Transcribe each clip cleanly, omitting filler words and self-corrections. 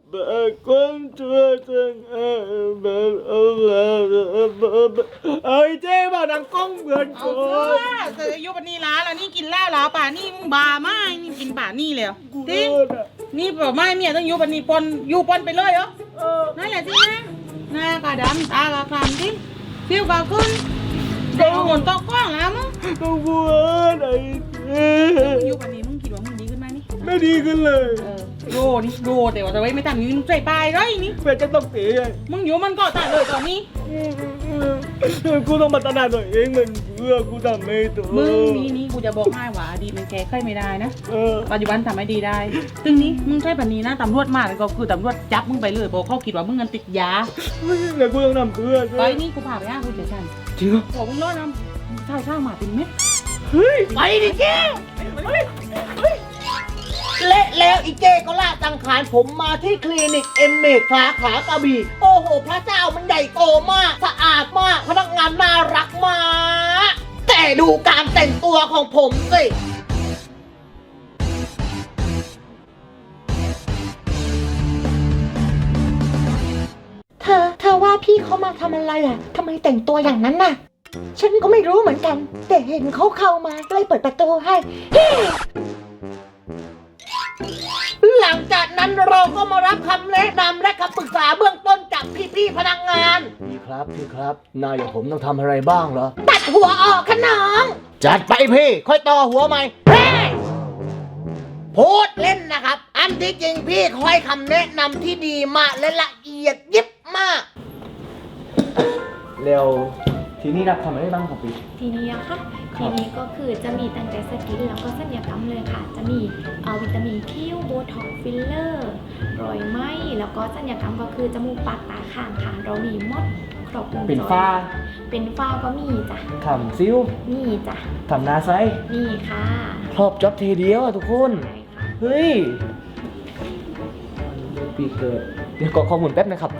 con chưa từng ơi chế vào đằng con gần เอา con เสืออยู่ปันนี้ล้าแล้วนี่กินเหล้าแล้วป่านี่มึงบาไม่นี่กินป่านี่แล้วจริงนี่บอกไม่เมียต้องอยู่ปันนี้ปนอยู่ปนไปเลยเหรอนั่นแหละจริงนะหน้ากระดำตากระคลำจริงคิ้วกระขึ้นเด็กหมุนโต๊ะกว้างแล้วมึง con buồn này อยู่ปันนี้มึงคิดว่ามึงดีขึ้นไหมนี่ไม่ดีขึ้นเลยโดนี่โดแต่ว่าจะไว้ไม่ทำนี้มึงใจปลายไรนี่แม่จะต้องเสียมึงอยู่มันก็ตัดเลยตอนนี้กูต้องมาตนาตัวเองมันเพื่อกูทำไม่ถูกมึงนี่กูจะบอกให้ว่าอดีตมันแก้ไขไม่ได้นะเออปัจจุบันทำให้ดีได้ตึงนี้มึงใช่ปันนี้นะตำรวจมาแล้วก็คือตำรวจจับมึงไปเลยบอกเขาคิดว่ามึงเงินติดยาแล้วกูต้องทำเพื่อไปนี่กูพาไปห้างกูเฉยชันจริงเหรอบอกมึงรอดน้ำข้าวหมาเป็นเม็ดเฮ้ยไปดิเจ้และแล้วอีเจ้ก็ลากสังขารผมมาที่คลินิกเอ็มเมกสาขากระบี่โอ้โหพระเจ้ามันใหญ่โตมากสะอาดมากพนักงานน่ารักมากแต่ดูการแต่งตัวของผมสิเธอว่าพี่เขามาทำอะไรอ่ะทำไมแต่งตัวอย่างนั้นน่ะฉันก็ไม่รู้เหมือนกันแต่เห็นเขาเข้ามาก็เลยเปิดประตูให้หลังจากนั้นเราก็มารับคำแนะนำและคำปรึกษาเบื้องต้นจากพี่ๆพนักงานพี่ครับนายอย่างผมต้องทำอะไรบ้างเหรอตัดหัวออกขน้องจัดไปพี่ค่อยต่อหัวใหม่เฮ้ยพูดเล่นนะครับอันที่จริงพี่คอยคำแนะนำที่ดีมากและละเอียดยิบมากแล้วทีนี้รับทำอะไรบ้างครับพี่ทีนี้อะค่ะทีนี้ก็คือจะมีตั้งแต่สกินแล้วก็ศัลยกรรมเลยค่ะ จะมีวิตามินคิ้วโบท็อกซ์ฟิลเลอร์รอยไหมแล้วก็ศัลยกรรมก็คือจมูกปากตาข้างค่ะเรามีหมดครบวงจรเป็นฝ้าก็มีจ้ะทำซิ้วมีจ้ะทำหน้าไซส์มีค่ะครอบจ็อบทีเดียวอะทุกคนใช่ค่ะเฮ้ยปีเกิดเดี๋ยวกดข้อมูลแป๊บนะครับ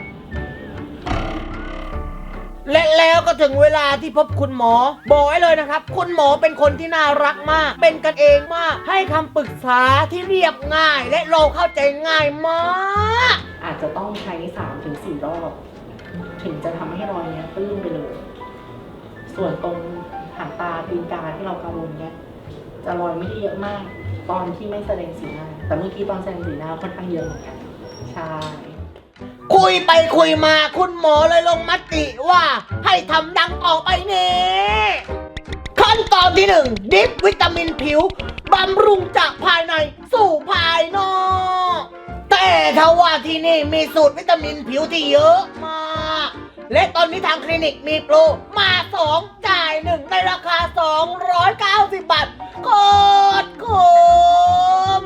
และแล้วก็ถึงเวลาที่พบคุณหมอบอกไว้เลยนะครับคุณหมอเป็นคนที่น่ารักมากเป็นกันเองมากให้คำปรึกษาที่เรียบง่ายและเราเข้าใจง่ายมากอาจจะต้องใช้ 3-4 รอบ ถึงจะทำให้รอยเนี้ยตื้นไปเลย ส่วนตรงหางตาตีนกาที่เรากังวลเนี้ยจะรอยไม่ได้เยอะมาก ตอนที่ไม่แสดงสีหน้า แต่เมื่อกี้ตอนแสดงสีหน้าค่อนข้างเยอะเหมือนกัน ใช่คุยไปคุยมาคุณหมอเลยลงมติว่าให้ทำดังต่อไปนี้ขั้นตอนที่1ดิฟวิตามินผิวบำรุงจากภายในสู่ภายนอกแต่ถ้าว่าที่นี่มีสูตรวิตามินผิวที่เยอะมากและตอนนี้ทางคลินิกมีโปรมา2จ่าย1ในราคา290 บาทโคตรคุ้ม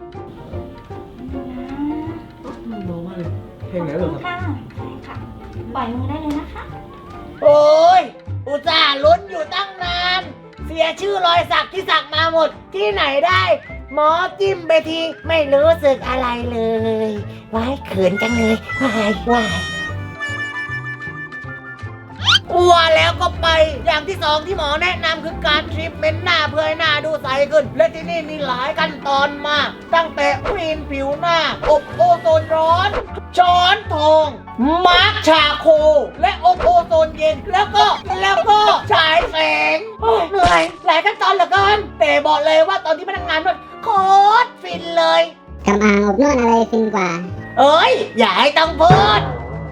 รู้มากเลยเพลงไหนเหรอครับค่ะใช่ค่ะปล่อยมือได้เลยนะคะโอ้ยอุตส่าห์ลุ้นอยู่ตั้งนาน เสียชื่อรอยสักที่สักมาหมดที่ไหนได้ หมอจิ้มไปทีไม่รู้สึกอะไรเลยว้ายเขินจังเลยว้ายว่าแล้วก็ไปอย่างที่2ที่หมอแนะนำคือการทรีทเมนต์หน้าเพื่อให้หน้าดูใสขึ้น และที่นี่มีหลายขั้นตอนมาก ตั้งแต่คลีนผิวหน้า อบโอโซนร้อน ช้อนทอง มาร์คชาโค และอบโอโซนเย็น แล้วก็ฉายแสงโอ้ยเหนื่อย หลายขั้นตอนเหลือเกิน แต่บอกเลยว่าตอนที่พนักงานนวดโคตรฟินเลยกำอ่างอบนวดอะไรฟินกว่าเอ้ย อย่าให้ต้องพูด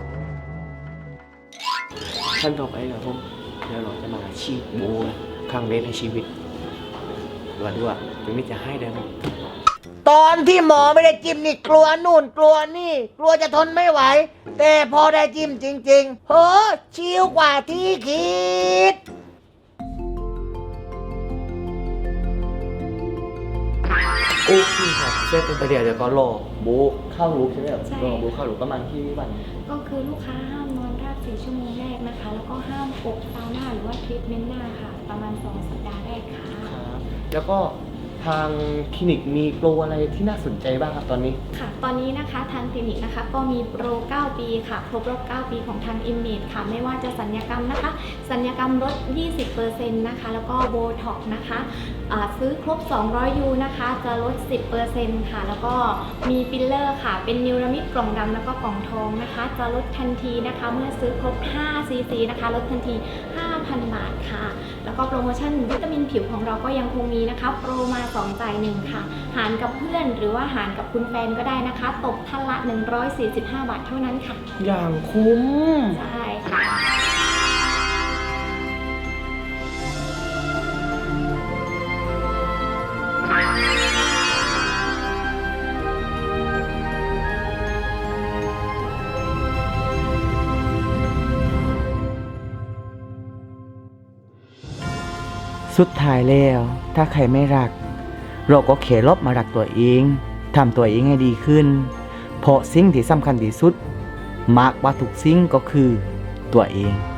ขั้นต่อไปครับผมเดี๋ยวเราจะมาฉีดโบนะครั้งแรกในชีวิตดูว่าเป็นมิตรจะให้ได้ไหมตอนที่หมอไม่ได้จิ้มนี่กลัวนู่นกลัวนี่ กลัวจะทนไม่ไหว แต่พอได้จิ้มจริงๆเฮ้อชิลกว่าที่คิดโอเคครับเสร็จเป็นไปเดี๋ยวก็รอโบเข้ารูปใช่ไหมครับรอโบเข้ารูปประมาณที่วันก็คือลูกค้าห้ามนอน4 ชั่วโมงแรกนะคะ แล้วก็ห้ามอบซาวน่าหรือว่าทรีทเมนต์หน้าค่ะ ประมาณ2 สัปดาห์แรกค่ะครับแล้วก็ทางคลินิกมีโปรอะไรที่น่าสนใจบ้างครับตอนนี้ค่ะ ตอนนี้นะคะทางคลินิกนะคะก็มีโปร 9 ปีค่ะ ครบรอบ 9 ปีของทาง Image ค่ะ ไม่ว่าจะสัญญกรรมนะคะ สัญญกรรมลด 20% นะคะ แล้วก็โบท็อกนะคะซื้อครบ 200 ยูนะคะ จะลด 10% ค่ะ แล้วก็มีฟิลเลอร์ค่ะ เป็นนิวรามิดกล่องดำแล้วก็กล่องทองนะคะ จะลดทันทีนะคะ เมื่อซื้อครบ 5 ซีซีนะคะ ลดทันที 5,000 บาทค่ะ แล้วก็โปรโมชั่นวิตามินผิวของเราก็ยังคงมีนะคะ โปรมา2จ่าย1ค่ะ หารกับเพื่อนหรือว่าหารกับคุณแฟนก็ได้นะคะ ตกท่านละ 145 บาทเท่านั้นค่ะอย่างคุ้มใช่ค่ะสุดท้ายแล้วถ้าใครไม่รัก เราก็เขลบมารักตัวเองทำตัวเองให้ดีขึ้น เพราะสิ่งที่สำคัญที่สุดมากกว่าทุกสิ่งก็คือตัวเอง